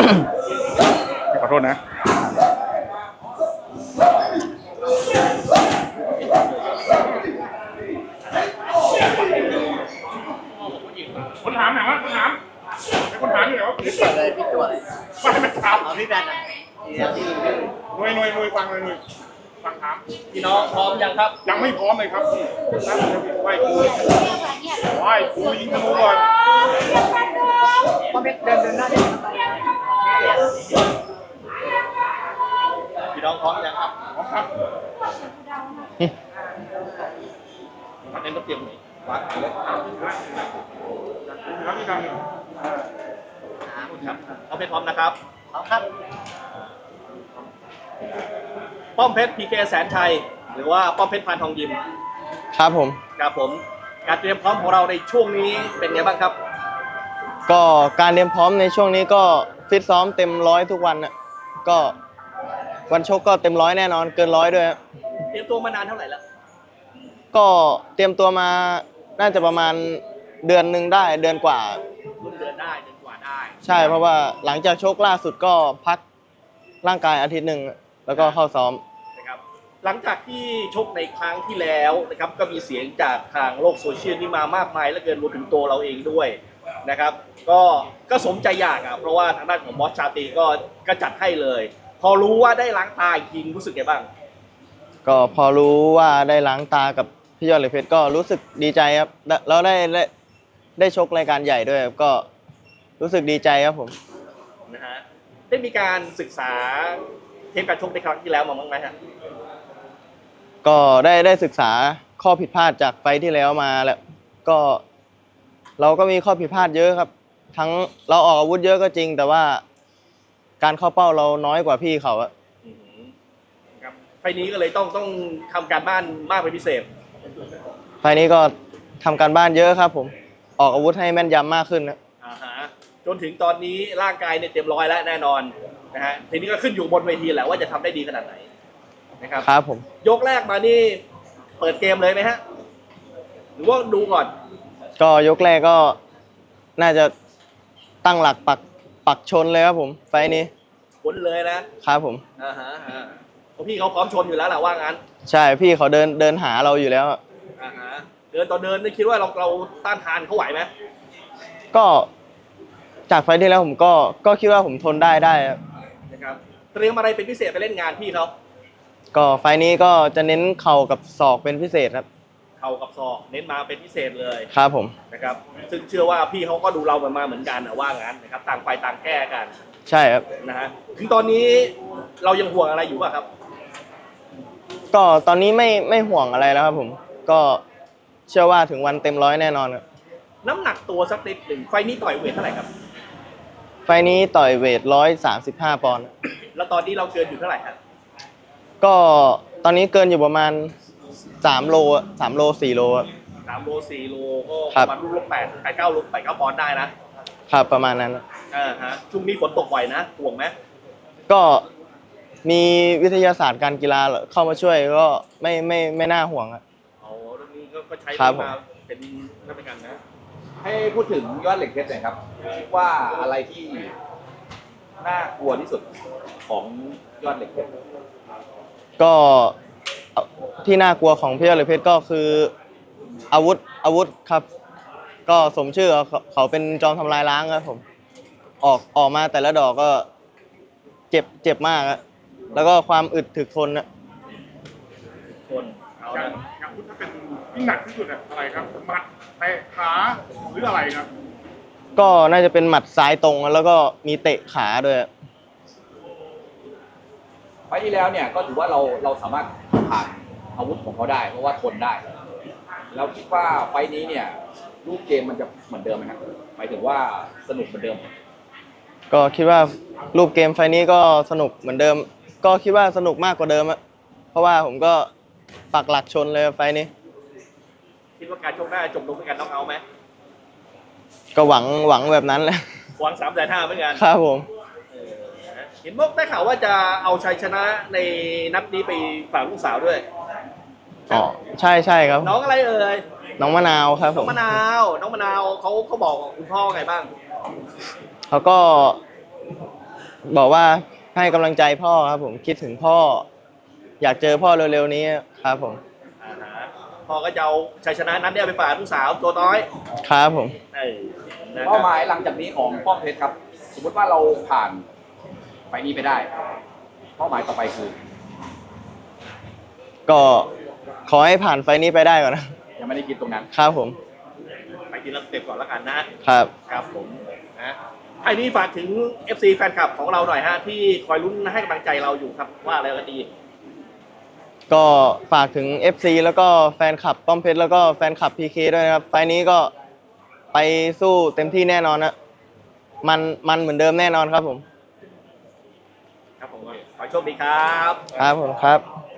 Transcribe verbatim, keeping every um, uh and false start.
ขอโทษนะคนถามหน่อยว่าคนถามคนถามอยู่ไหนวะพี่เปิดเลยพี่ตัวเลยไม่ไม่ถามพี่แบนนะหน่วยหน่วยหน่วยฟังเลยหน่วยฟังถามพี่น้องพร้อมยังครับยังไม่พร้อมเลยครับนั่งไหว้ครูไหว้ครูยิงธนูก่อนพ่อเม็ดเดินเดินหน้าเดินพี่น้องพร้อมยังครับพร้อมครับมันเน้นต้องเตรียมหน่อยวางเลยครับพี่ดังครับเอาเพชรพร้อมนะครับพร้อมครับป้อมเพชรพีเคแสนชัยหรือว่าป้อมเพชรพานทองยิมครับผมครับผมการเตรียมพร้อมของเราในช่วงนี้เป็นไงบ้างครับก็การเตรียมพร้อมในช่วงนี้ก็ฟิตซ้อมเต็มร้อยทุกวันน่ะก็วันชกก็เต็มร้อยแน่นอนเกินร้อยด้วยเตรียมตัวมานานเท่าไหร่แล้วก็เตรียมตัวมาน่าจะประมาณเดือนหนึ่งได้เดือนกว่าเดือนได้เดือนกว่าได้ใช่เพราะว่าหลังจากชกล่าสุดก็พักร่างกายอาทิตย์หนึ่งแล้วก็เข้าซ้อมนะครับหลังจากที่ชกในครั้งที่แล้วนะครับก็มีเสียงจากทางโลกโซเชียลนี่มามากมายและเกินรวมถึงตัวเราเองด้วยนะครับก็ก็สมใจอยากอ่ะเพราะว่าทางด้านของบอสชาตรีก็ก็จัดให้เลยพอรู้ว่าได้ล้างตาอีกทีรู้สึกไงบ้างก็พอรู้ว่าได้ล้างตากับพี่ยอดเหล็กเพชรก็รู้สึกดีใจครับแล้วได้ได้ได้ชกรายการใหญ่ด้วยก็รู้สึกดีใจครับผมนะฮะได้มีการศึกษาเทปการชกในครั้งที่แล้วมาบ้างไหมฮะก็ได้ได้ศึกษาข้อผิดพลาดจากไฟที่แล้วมาแล้วก็เราก็มีข้อผิดพลาดเยอะครับทั้งเราออกอาวุธเยอะก็จริงแต่ว่าการเข้าเป้าเราน้อยกว่าพี่เขาอะครับไฟนี้ก็เลยต้องต้องทำการบ้านมากเป็นพิเศษไฟนี้ก็ทำการบ้านเยอะครับผมออกอาวุธให้แม่นยำมากขึ้นนะอ่าฮะจนถึงตอนนี้ร่างกายเนี่ยเต็มร้อยแล้วแน่นอนนะฮะทีนี้ก็ขึ้นอยู่บนเวทีแหละว่าจะทำได้ดีขนาดไหนนะครับครับผมยกแรกมานี่เปิดเกมเลยไหมฮะหรือว่าดูก่อนก็ยกแรกก็น่าจะตั้งหลักปักปักชนเลยครับผมไฟนี้ชนเลยนะครับผมอ่าฮะเพราะพี่เขาพร้อมชนอยู่แล้วแหละว่างั้นใช่พี่เขาเดินเดินหาเราอยู่แล้วอ่าฮะเดินต่อเดินได้คิดว่าเราเราต้านทานเขาไหวไหมก็จากไฟที่แล้วผมก็ก็คิดว่าผมทนได้ได้นะครับเตรียมอะไรเป็นพิเศษไปเล่นงานพี่เขาก็ไฟนี้ก็จะเน้นเข่ากับศอกเป็นพิเศษครับเข่ากับศอกเน้นมาเป็นพิเศษเลยครับผมนะครับซึ่งเชื่อว่าพี่เขาก็ดูเรามาเหมือนกันนะว่างั้นนะครับต่างฝ่ายต่างแก้กันใช่ครับนะฮะถึงตอนนี้เรายังห่วงอะไรอยู่ป่ะครับก็ตอนนี้ไม่ไม่ห่วงอะไรแล้วครับผมก็เชื่อว่าถึงวันเต็มร้อยแน่นอนครับน้ำหนักตัวสักนิดหนึ่งไฟนี้ต่อยเวทเท่าไหร่ครับไฟนี้ต่อยเวทร้อยสามสิบห้าปอนด์แล้วตอนนี้เราเกินอยู่เท่าไหร่ครับก็ตอนนี้เกินอยู่ประมาณสามโลสามโลสี่โลสามโลสี่โลก็ประมาณลูกแปดแปดเก้าลูกแปดเก้าปอนด์ได้นะครับประมาณนั้นอ่าฮะช่วงนี้ฝนตกบ่อยนะห่วงไหมก็มีวิทยาศาสตร์การกีฬาเข้ามาช่วยก็ไม่ไม่ไม่น่าห่วงอ่ะอ๋อเรื่องนี้ก็ใช้มาเป็นนักการนะให้พูดถึงยอดเหล็กเพชรหน่อยครับคิดว่าอะไรที่น่ากลัวที่สุดของยอดเหล็กเพชรก็ที่น่ากลัวของพี่ยอดเหล็กเพชรก็คืออาวุธอาวุธครับก็สมชื่อเขาเป็นจอมทำลายล้างครับผมออกออกมาแต่ละดอกก็เจ็บเจ็บมากแล้วก็ความอึดถึกทนนะทนเอาละอาวุธถ้าเป็นที่หนักที่สุดอะไรครับหมัดเตะขาหรืออะไรครับก็น่าจะเป็นหมัดซ้ายตรงแล้วก็มีเตะขาด้วยไฟที่แล้วเนี่ยก็ถือว่าเราเราสามารถผ่านอาวุธของเขาได้เพราะว่าทนได้แล้วคิดว่าไฟนี้เนี่ยรูปเกมมันจะเหมือนเดิมไหมครับหมายถึงว่าสนุกเหมือนเดิมก็คิดว่ารูปเกมไฟนี้ก็สนุกเหมือนเดิมก็คิดว่าสนุกมากกว่าเดิมอะเพราะว่าผมก็ปักหลักชนเลยไฟนี้คิดว่าการชกได้จบลงด้วยกันน็อกเอาท์ไหมก็หวังหวังแบบนั้นแหละหวังสามแสนห้าเหมือนกันครับผมเห็นบอกได้ข่าวว่าจะเอาชัยชนะในนัดนี้ไปฝากลูกสาวด้วยอ๋อใช่ใช่ครับน้องอะไรเอ่ยน้องมะนาวครับผมน้องมะนาวน้องมะนาวเขาเขาบอกคุณพ่อไงบ้างเขาก็บอกว่าให้กำลังใจพ่อครับผมคิดถึงพ่อ อยากเจอพ่อเร็วๆนี้ครับผมอ่าฮะพ่อก็จะเอาชัยชนะนั้นเนี่ยไปฝากลูกสาวตัวน้อยครับผมเออนะคเป้ารับหมายหลังจากนี้ของป้อมเพชรครับ สมมติว่าเราผ่านไฟล์นี้ไปได้ เป้าหมายต่อไปคือก็ขอให้ผ่านไฟล์นี้ไปได้ก่อนนะยังไม่ได้คิดตรงนั้นครับผมไปทีละสเต็ปก่อนแล้วกันนะครับ ครับผมนะไอ้นี่ฝากถึง เอฟ ซี แฟนคลับของเราหน่อยฮะที่คอยลุ้นให้กำลังใจเราอยู่ครับว่าอะไรกันดีก็ฝากถึง เอฟ ซี แล้วก็แฟนคลับป้อมเพชรแล้วก็แฟนคลับ พี เค ด้วยนะครับไฟล์นี้ก็ไปสู้เต็มที่แน่นอนนะมันมันเหมือนเดิมแน่นอนครับผมครับผมขอโชคดีครับครับผมครับ